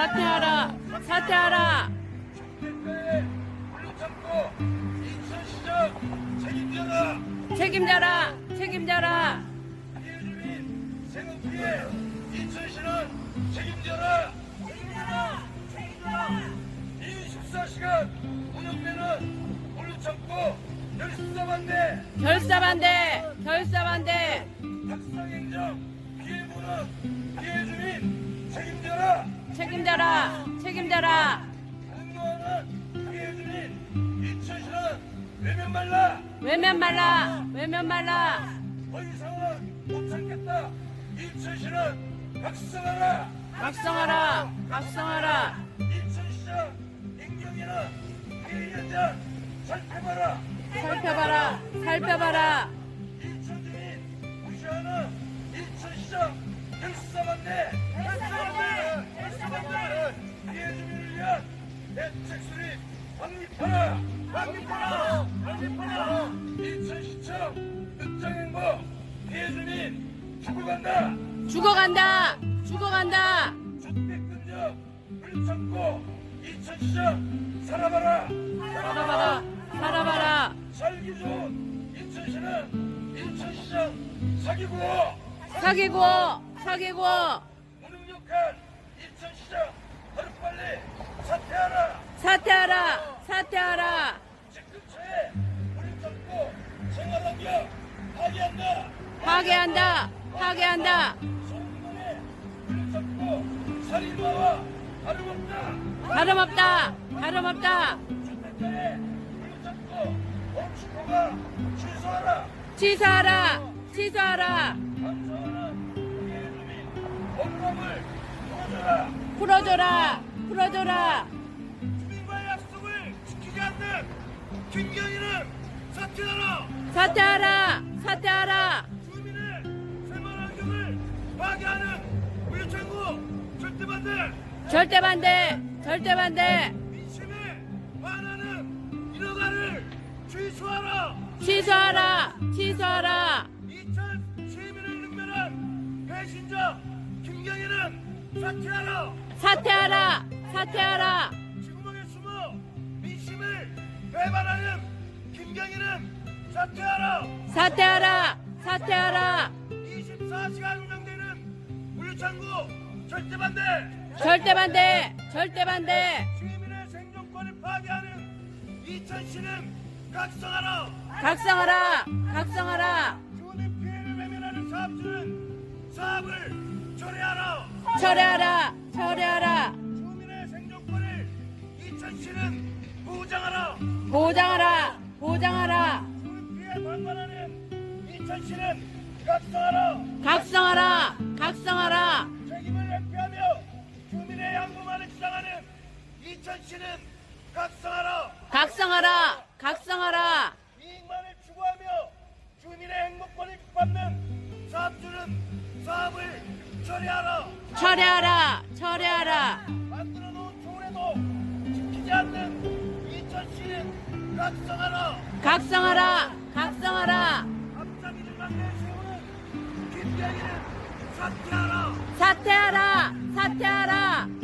사퇴하라. 사퇴하라. 대표의 물러참고 인천시장 책임져라. 책임져라. 책임져라. 피해 주민 생업 피해 인천시는 책임져라. 책임져라. 책임져라. 24시간 운영되는 물러참고 결사반대. 결사반대. 결사반대. 탁상행정 피해보는 피해 주민 책임져라. 책임져라. 책임져라. 분노하는 피해 주민 인천시는 외면 말라. 외면 말라. 외면 말라. 더 이상은 못 참겠다. 인천시는 각성하라. 각성하라. 각성하라. 인천시장 임경희는 피해 현장 살펴봐라. 살펴봐라. 살펴봐라. 인천 주민 무시하는 인천시장 결사반대. 결사반대. 피해 주민을 위한 대책 수립 확립하라. 확립하라. 확립하라. 인천시청 흑장행보 피해 주민 죽어간다. 죽어간다. 죽어간다. 주택근접 물참고 인천시장 살아봐라. 살아봐라. 살아봐라. 살기 좋은 인천시는 인천시장 사기고 사기고. 사기고. 무능력한 인천시장 하루빨리 사퇴하라. 사퇴하라. 사퇴하라. 집 근처에 물을 참고 생활환경 파괴한다. 파괴한다. 파괴한다. 소문만에 물을 참고 살인마와 다름없다. 다름없다. 다름없다. 주택가에 물을 참고 멈추고가 취소하라. 취소하라. 취소하라. 감사하는 피해 주민 억울함을 풀어줘라. 풀어줘라. 풀어줘라. 주민과의 약속을 지키지 않는 김경희는 사퇴하라. 사퇴하라. 사퇴하라. 주민의 생활환경을 파괴하는 물류창고 절대반대. 절대반대. 절대반대. 민심에 반하는 인허가를 취소하라. 취소하라. 취소하라. 2000 시민을 능멸한 배신자 김경희는 사퇴하라. 사퇴하라. 사퇴하라. 지구멍에 숨어 민심을 배반하는 김경희는 사퇴하라. 사퇴하라. 사퇴하라. 24시간 운영되는 물류창고 절대반대. 절대반대. 절대반대. 시민의 생존권을 파괴하는 인천시는 각성하라. 각성하라. 각성하라. 주민 피해를 외면하는 사업주는 사업을 철회하라. 철회하라. 철회하라. 주민의 생존권을 인천시는 보장하라. 보장하라. 보장하라. 주민 피해 방관하는 인천시는 각성하라. 각성하라. 각성하라. 책임을 회피하며 주민의 양보만을 주장하는 인천시는 각성하라. 각성하라. 각성하라. 이익만을 추구하며 주민의 행복권을 밟는 사업주는 사업을 처리하라. 철회하라. 철회하라. 만들어 놓은 조례도 지키지 않는 인천시는 각성하라. 각성하라. 각성하라. 앞잡이를 만내 세우는 김경희는 사퇴하라. 사퇴하라. 사퇴하라.